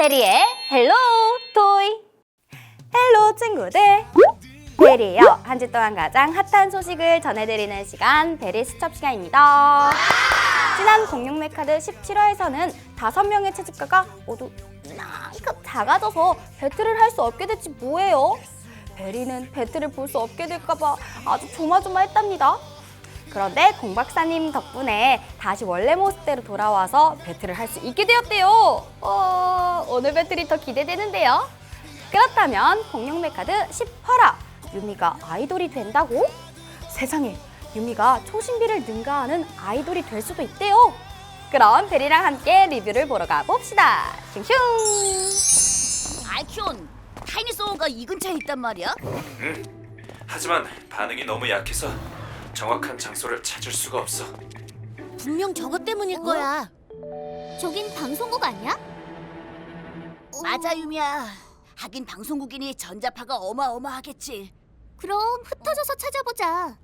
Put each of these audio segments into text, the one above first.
베리의 헬로 토이. 헬로 친구들, 베리예요. 한 주 동안 가장 핫한 소식을 전해드리는 시간, 베리 수첩 시간입니다. 지난 공룡 메카드 17화에서는 5명의 채집가가 모두 이만큼 작아져서 배틀을 할 수 없게 됐지 뭐예요. 베리는 배틀을 볼 수 없게 될까봐 아주 조마조마했답니다. 그런데 공 박사님 덕분에 다시 원래 모습대로 돌아와서 배틀을 할 수 있게 되었대요. 오늘 배틀이 더 기대되는데요. 그렇다면 공룡 메카드 10화라 유미가 아이돌이 된다고? 세상에, 유미가 초신비를 능가하는 아이돌이 될 수도 있대요. 그럼 베리랑 함께 리뷰를 보러 가봅시다. 슝슝! 아이큐온, 타이니소어가 이 근처에 있단 말이야? 하지만 반응이 너무 약해서 정확한 장소를 찾을 수가 없어. 분명 저것 때문일 거야. 저긴 방송국 아니야? 맞아, 유미야. 하긴 방송국이니 전자파가 어마어마하겠지. 그럼 흩어져서 찾아보자.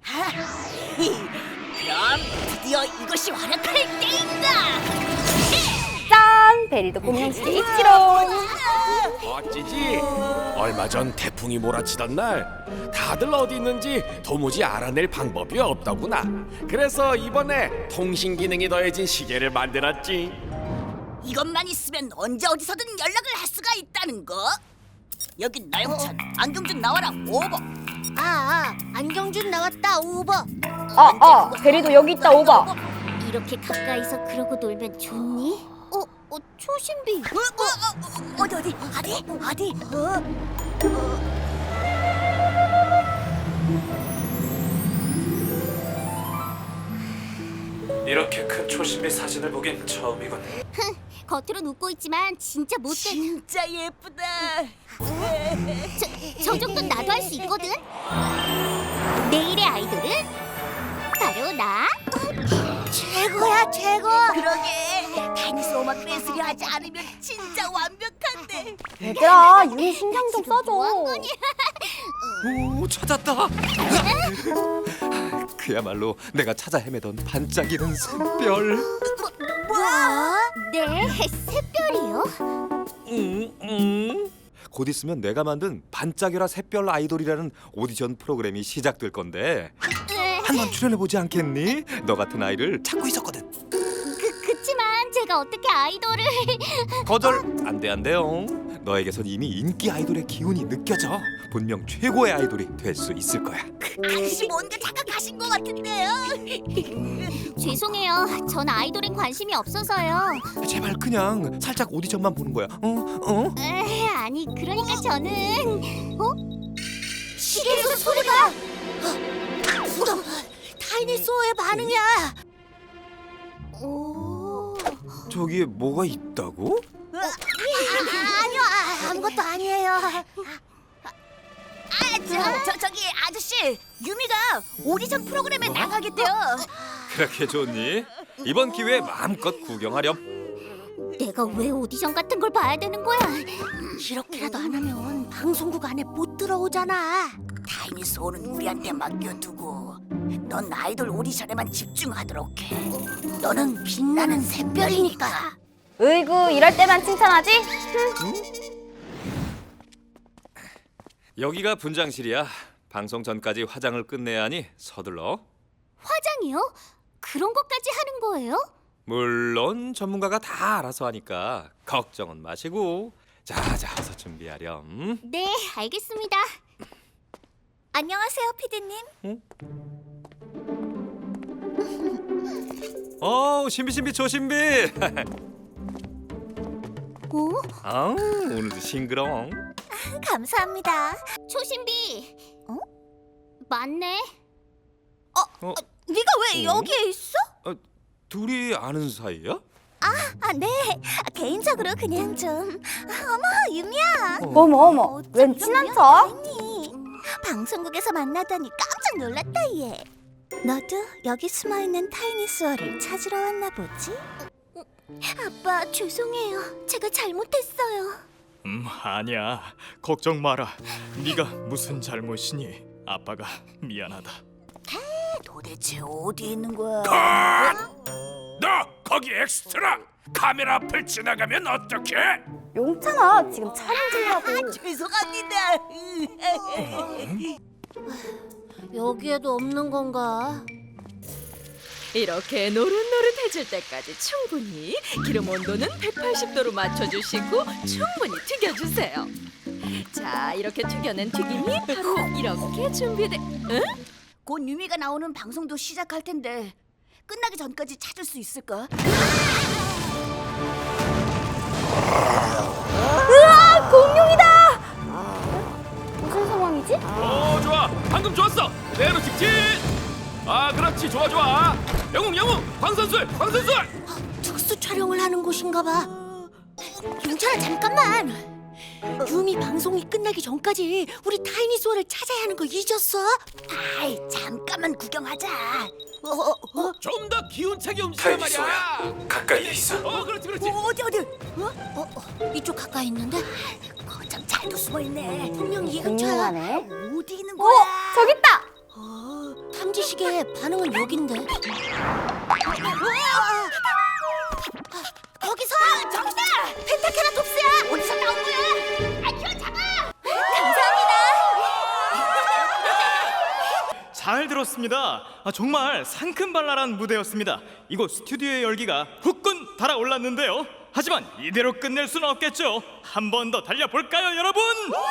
그럼 드디어 이것이 활약할 때인가! 짠! 베리도 공룡시대 있지롱! 어찌지? 얼마 전 태풍이 몰아치던 날 다들 어디 있는지 도무지 알아낼 방법이 없더구나. 그래서 이번에 통신 기능이 더해진 시계를 만들었지. 이것만 있으면 언제 어디서든 연락을 할 수가 있다는 거. 여긴 나영찬, 안경준 나와라, 오버. 안경준 나왔다, 오버. 베리도 여기 있다, 오바! 이렇게 가까이서 그러고 놀면 좋니? 초신비. 어디? 이렇게 큰 초신비 사진을 보긴 처음이군. 겉으론 웃고 있지만 진짜 못된. 진짜 예쁘다. 저 정도는 나도 할 수 있거든. 내일의 아이돌은 바로 나. 최고야, 최고. 그러게. 타이니소어만 뺏으려 하지 않으면 진짜 완벽한데. 얘들아, 유미 신경 좀 써줘. 오, 찾았다. 그야말로 내가 찾아 헤매던 반짝이는 샛별. 네, 새별이요? 곧 있으면 내가 만든 반짝여라 샛별 아이돌이라는 오디션 프로그램이 시작될 건데 한번 출연해보지 않겠니? 너 같은 아이를 찾고 있었거든. 그치만 제가 어떻게 아이돌을? 거절 안 돼요. 너에게선 이미 인기 아이돌의 기운이 느껴져. 분명 최고의 아이돌이 될 수 있을 거야. 아저씨 뭔가 착각하신 것 같은데요. 죄송해요. 전 아이돌엔 관심이 없어서요. 제발 그냥 살짝 오디션만 보는 거야. 아니 그러니까 저는 시계에서 소리가. 타이니소어의 반응이야. 저기에 뭐가 있다고? 아니요, 아무것도 아니에요. 저기 아저씨, 유미가 오디션 프로그램에 나가겠대요. 그렇게 좋니? 이번 기회에 마음껏 구경하렴. 내가 왜 오디션 같은 걸 봐야 되는 거야? 이렇게라도 안 하면 방송국 안에 못 들어오잖아. 타이니소어는 우리한테 맡겨두고 넌 아이돌 오디션에만 집중하도록 해. 너는 빛나는 샛별이니까. 으이구, 이럴 때만 칭찬하지? 여기가 분장실이야. 방송 전까지 화장을 끝내야 하니 서둘러. 화장이요? 그런 것까지 하는 거예요? 물론 전문가가 다 알아서 하니까 걱정은 마시고. 자, 어서 준비하렴. 네, 알겠습니다. 안녕하세요, 피디님. 신비 조신비. 오늘도 싱그러워. 감사합니다. 초신비. 맞네. 네가 왜 여기에 있어? 둘이 아는 사이야? 네. 개인적으로 그냥 좀. 어머, 유미야. 어머, 웬 친한 척? 방송국에서 만나다니 깜짝 놀랐다, 얘. 너도 여기 숨어있는 타이니소어를 찾으러 왔나 보지? 아빠, 죄송해요. 제가 잘못했어요. 아니야. 걱정 마라. 네가 무슨 잘못이니? 아빠가 미안하다. 도대체 어디 있는 거야? 너 거기 엑스트라! 카메라 앞을 지나가면 어떡해? 용찬아, 지금 촬영 중이라고. 죄송합니다. 여기에도 없는 건가? 이렇게 노릇노릇해질 때까지 충분히 기름 온도는 180도로 맞춰주시고 충분히 튀겨주세요. 자, 이렇게 튀겨낸 튀김이 바로 이렇게 준비돼. 응? 곧 유미가 나오는 방송도 시작할 텐데 끝나기 전까지 찾을 수 있을까? 으아, 공룡이다. 무슨 상황이지? 좋아. 방금 좋았어. 그대로 직진. 그렇지. 좋아. 영웅. 광선술. 특수 촬영을 하는 곳인가 봐. 용찬아, 잠깐만. 유미 방송이 끝나기 전까지 우리 타이니소어를 찾아야 하는 거 잊었어? 아이, 잠깐만 구경하자. 좀 더 기운차게 움직여 말이야. 타이니소야, 가까이에 있어. 그렇지. 어디? 이쪽 가까이 있는데? 거참 잘도 숨어 있네. 분명 이근처야. 공룡하네. 어디 있는 거야? 저기 있다. 탐지식의 반응은 여긴데. 거기서! 저기다! 펜타케라톱스야! 어디서 나온 거야? 아, 잡아! 잘 들었습니다. 정말 상큼발랄한 무대였습니다. 이곳 스튜디오의 열기가 후끈 달아올랐는데요. 하지만 이대로 끝낼 수는 없겠죠. 한 번 더 달려볼까요, 여러분?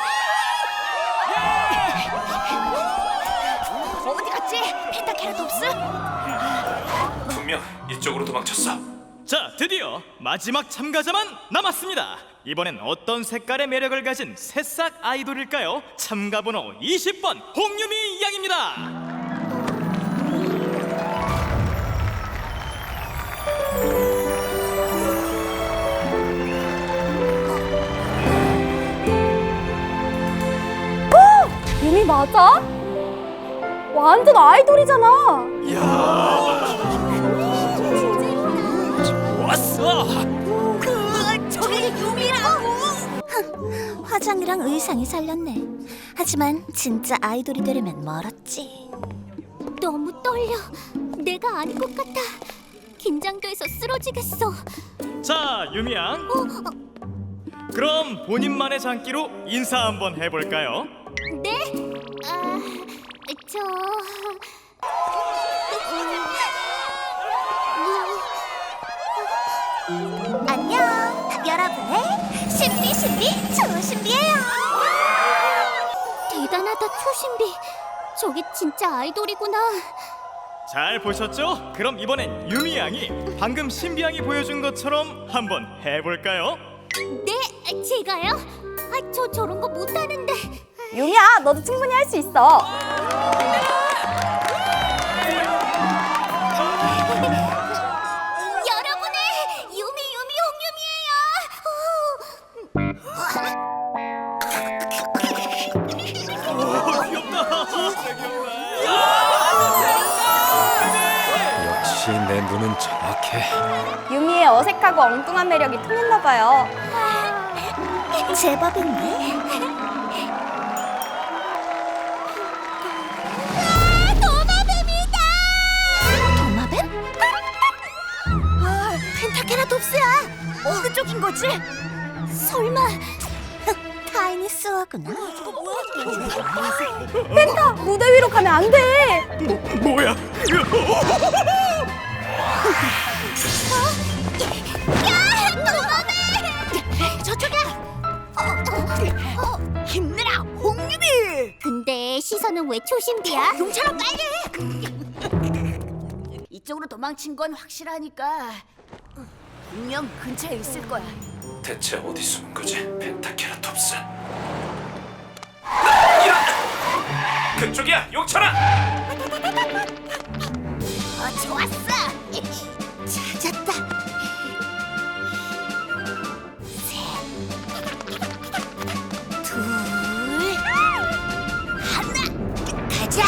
어디 갔지? 펜타케라톱스? 분명 이쪽으로 도망쳤어. 자, 드디어 마지막 참가자만 남았습니다. 이번엔 어떤 색깔의 매력을 가진 새싹 아이돌일까요? 참가 번호 20번 홍유미 양입니다. 유미 맞아? 완전 아이돌이잖아. 왔어. 저게 유미라고! 화장이랑 의상이 살렸네. 하지만 진짜 아이돌이 되려면 멀었지. 너무 떨려. 내가 아닌 것 같아. 긴장돼서 쓰러지겠어. 자, 유미 양. 그럼 본인만의 장기로 인사 한번 해볼까요? 네? 안녕, 여러분의 신비 초신비예요. 대단하다, 초신비. 저게 진짜 아이돌이구나. 잘 보셨죠? 그럼 이번엔 유미 양이 방금 신비 양이 보여준 것처럼 한번 해볼까요? 네, 제가요? 저런 거 못하는데. 유미야, 너도 충분히 할 수 있어. 여러분의 유미 역시 내 눈은 정확해. 유미의 어색하고 엉뚱한 매력이 통했나 봐요. 홍유미예요. 제법인데. 도마뱀이다. 도마뱀? 펜타케라톱스야. 어느 쪽인 거지? 설마 타이니스워구나. 펜타, 무대 위로 가면 안 돼. 뭐야? 야, 도마뱀! 저쪽이야. 힘내라, 홍유미! 근데 시선은 왜 초신비야? 용차라 빨리! 이쪽으로 도망친 건 확실하니까 분명 근처에 있을 거야. 대체 어디 숨은 거지? 펜타케라톱스. 그쪽이야, 용찬아. 좋았어! 찾았다. 둘, 하나, 가자!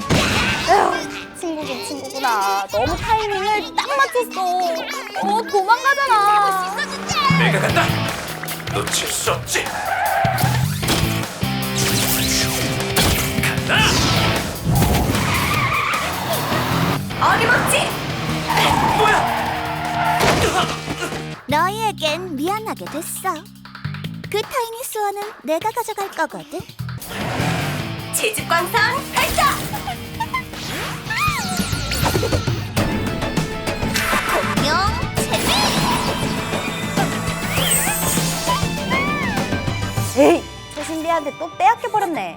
친구긴 친구구나. 너무 타이밍을 딱 맞췄어. 도망가잖아. 내가 간다. 놓칠 수 없지. 간다. 어림없지. 뭐야? 너희에겐 미안하게 됐어. 그 타이니스원은 내가 가져갈 거거든. 지직광선 발사! 공룡 재미! 에이, 초신비한테 또 빼앗겨버렸네.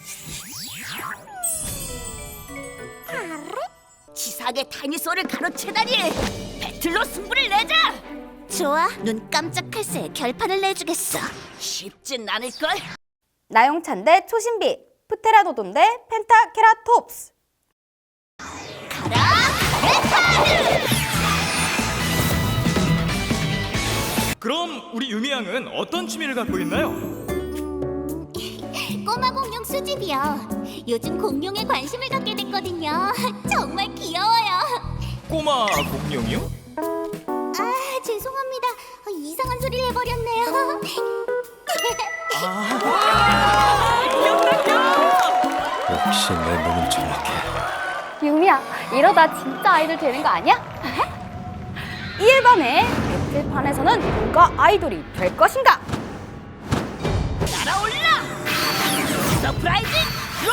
치사하게 타이니소어를 가로채다니. 배틀로 승부를 내자. 좋아, 눈 깜짝할 새에 결판을 내주겠어. 쉽진 않을걸. 나용찬 대 초신비, 프테라노돈 대 펜타케라톱스. 그럼 우리 유미 양은 어떤 취미를 갖고 있나요? 꼬마 공룡 수집이요. 요즘 공룡에 관심을 갖게 됐거든요. 정말 귀여워요. 꼬마 공룡이요? 아, 죄송합니다. 이상한 소리를 해버렸네요. 역시 내 눈은 정확해. 유미야, 이러다 진짜 아이돌 되는 거 아니야? 1번의 배틀판에서는 누가 아이돌이 될 것인가? 날아올라. 서프라이즈 드로.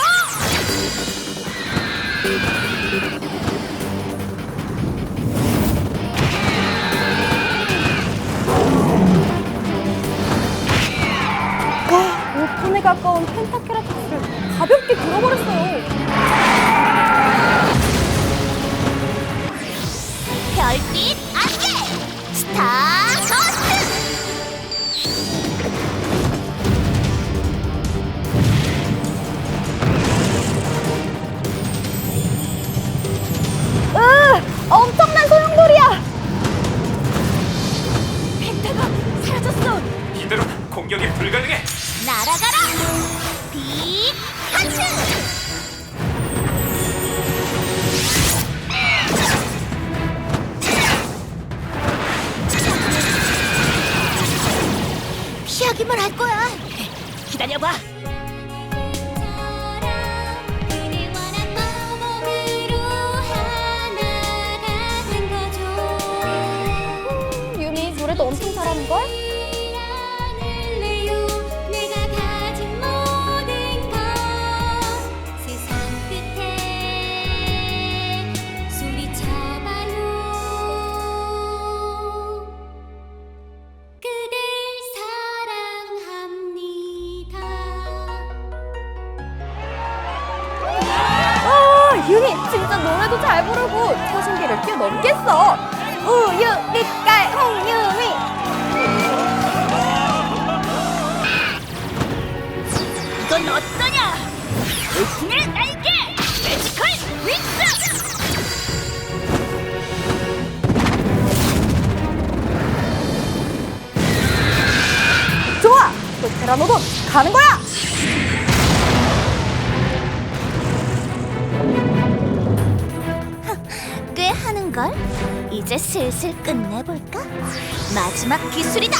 와, 5톤에 가까운 펜타케라톱스를 가볍게 들어버렸어요. 별빛 안개 스타커스트. 엄청난 소용돌이야. 펜타가 사라졌어. 이대로 공격이 불가능해. 날아가라. 빛 하트. 피하기만 할 거야. 기다려봐. 유미 노래도 엄청 잘하는걸? 유미 진짜 노래도 잘 부르고 초신비를 뛰어넘겠어. 우유 빛깔 홍유미. 이건 어떠냐? 오픈의 날개 매지컬 윙스. 좋아, 프테라노돈 가는 거야. 꽤 하는걸? 이제 슬슬 끝내볼까? 마지막 기술이다!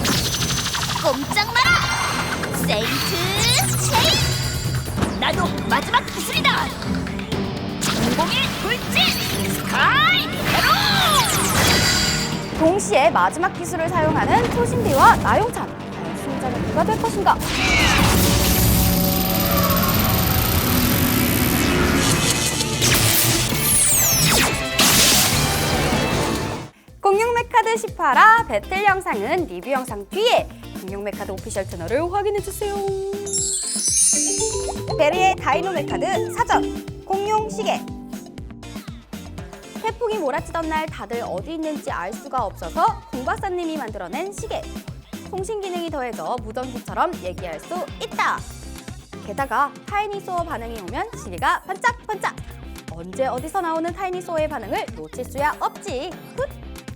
꼼짝 마라! 세인트 체인! 나도 마지막 기술이다. 전공의 돌진 스카이 헤로. 동시에 마지막 기술을 사용하는 초신비와 나용찬. 과연 승자는 누가 될 것인가? 공룡메카드 10화라 배틀 영상은 리뷰 영상 뒤에 공룡메카드 오피셜 채널을 확인해주세요. 베리의 다이노메카드 사전 공룡 시계. 태풍이 몰아치던 날 다들 어디 있는지 알 수가 없어서 공박사님이 만들어낸 시계. 통신 기능이 더해져 무전기처럼 얘기할 수 있다. 게다가 타이니소어 반응이 오면 시계가 반짝반짝. 언제 어디서 나오는 타이니소어의 반응을 놓칠 수야 없지. 훗.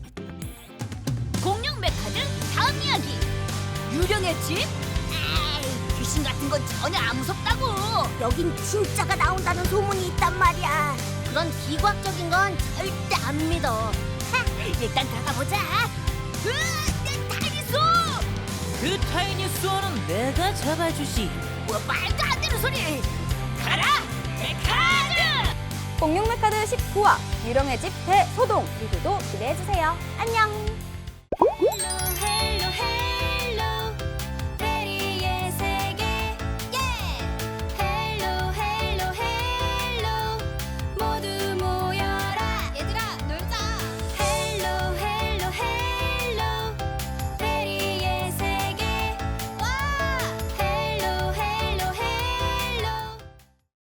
공룡 메카드 다음 이야기. 유령의 집? 에이, 귀신 같은 건 전혀 안 무섭다고. 여긴 진짜가 나온다는 소문이 있단 말이야. 그런 비과학적인 건 절대 안 믿어. 하, 일단 들어가 보자. 내 타이니소. 그 타이니스원은 내가 잡아주지. 뭐 말도 안 되는 소리. 가라 메카드. 공룡메카드 19화 유령의 집 대소동 리뷰도 기대해주세요. 안녕.